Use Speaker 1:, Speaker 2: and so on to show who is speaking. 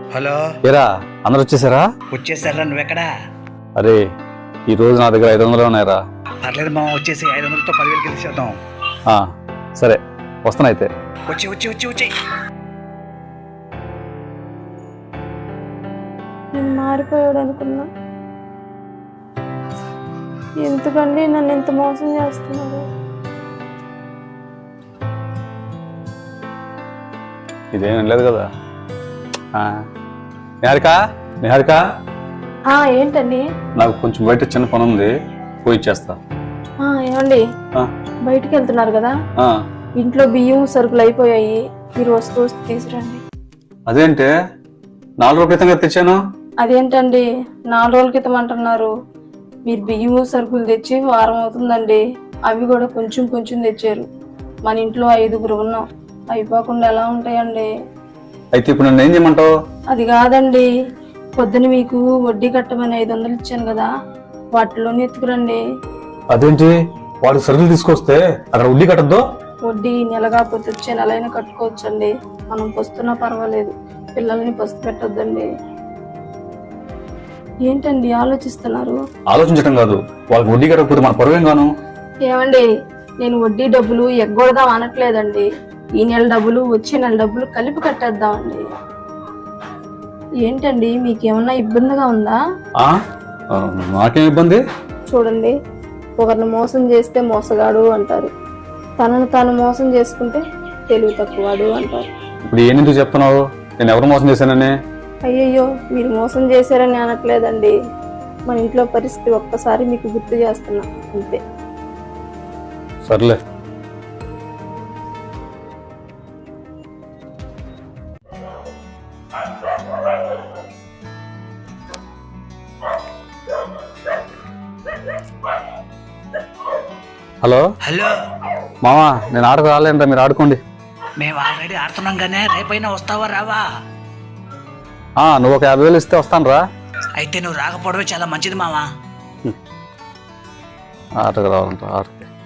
Speaker 1: Hello
Speaker 2: ఏరా అందరు వచ్చేసారా?
Speaker 1: వచ్చేసారా? నువ్వెక్కడా?
Speaker 2: అరే ఈ రోజు నా దగ్గర 500 ఉన్నాయిరా.
Speaker 1: పర్లేదు మామ, వచ్చేసి 500తో 10,000 కలిసేద్దాం.
Speaker 2: సరే వస్తాను అయితే.
Speaker 1: వచ్చి వచ్చి వచ్చి వచ్చి
Speaker 3: నేను మారిపోయాడు అనుకున్నా. ఎందుకండి నన్ను ఇంత మోసం చేస్తున్నారు?
Speaker 2: ఇదేం లేదు కదా. నిహారిక నిహారిక,
Speaker 3: ఏంటండి?
Speaker 2: నాకు కొంచెం బయట చిన్న పని ఉంది, పోయి ఇచ్చేస్తా.
Speaker 3: ఏమండి, బయటికి వెళ్తున్నారు కదా, ఇంట్లో బియ్యం సరుకులు అయిపోయాయి, మీరు వస్తూ తీసుకురండి.
Speaker 2: అదేంటే 4 రోజుల క్రితంగా తెచ్చాను.
Speaker 3: అదేంటండి 4 రోజుల క్రితం అంటున్నారు? మీరు బియ్యం సరుకులు తెచ్చి వారం అవుతుందండి. అవి కూడా కొంచెం కొంచెం తెచ్చారు. మన ఇంట్లో 5గురు ఉన్నాం, అయిపోకుండా ఎలా ఉంటాయండి?
Speaker 2: అయితే ఇప్పుడు నన్ను ఏం చేయమంటావు?
Speaker 3: అది కాదండి, పొద్దున మీకు వడ్డీ కట్టమని 500 ఇచ్చాను కదా, వాటిలోనే ఎత్తుకురండి.
Speaker 2: అదేంటి వాడికి సరుకులు తీసుకొస్తే అక్కడ వడ్డీ కట్టద్దు?
Speaker 3: వడ్డీ నెల కాకపోతే వచ్చే నెలైనా కట్టుకోవచ్చండి. మనం పస్తున్నా పర్వాలేదు, పిల్లల్ని పస్తు పెట్టొద్దండి. ఏంటండి ఆలోచిస్తున్నారు?
Speaker 2: ఆలోచించడం కాదు, వాళ్ళకి వడ్డీ కట్టకపోతే మన పరువేం గాను.
Speaker 3: ఏమండి, నేను వడ్డీ డబ్బులు ఎగ్గొడదాం అనట్లేదండి. ఈ నెల డబ్బులు వచ్చే నెల డబ్బులు కలిపి కట్టేద్దామండి. ఏంటండి మీకేమన్నా ఇబ్బందిగా ఉందా?
Speaker 2: నాకేం ఇబ్బంది?
Speaker 3: చూడండి, ఒకరిని మోసం చేస్తే మోసగాడు అంటారు, తనను తాను మోసం చేసుకుంటే తెలివి తక్కువాడు అంటారు.
Speaker 2: ఇప్పుడు ఎందుకు చెప్తున్నావు? నేను ఎవరు మోసం చేశానని?
Speaker 3: అయ్యయ్యో, మీరు మోసం చేశారని అనట్లేదండి. మన ఇంట్లో పరిస్థితి ఒక్కసారి మీకు గుర్తు చేస్తున్నా అంతే.
Speaker 2: సర్లే. హలో
Speaker 1: హలో
Speaker 2: మామా, నేను ఆడకు రాలేంట, మీరు ఆడుకోండి.
Speaker 1: మేము ఆల్రెడీ ఆడుతున్నాం గానే, రేపైనా వస్తావా రావా?
Speaker 2: నువ్వు ఒక 50,000 ఇస్తే వస్తాను రా.
Speaker 1: అయితే నువ్వు రాకపోవడమే చాలా మంచిది మావా.
Speaker 2: ఆటకు రావాలంట ఆటకి.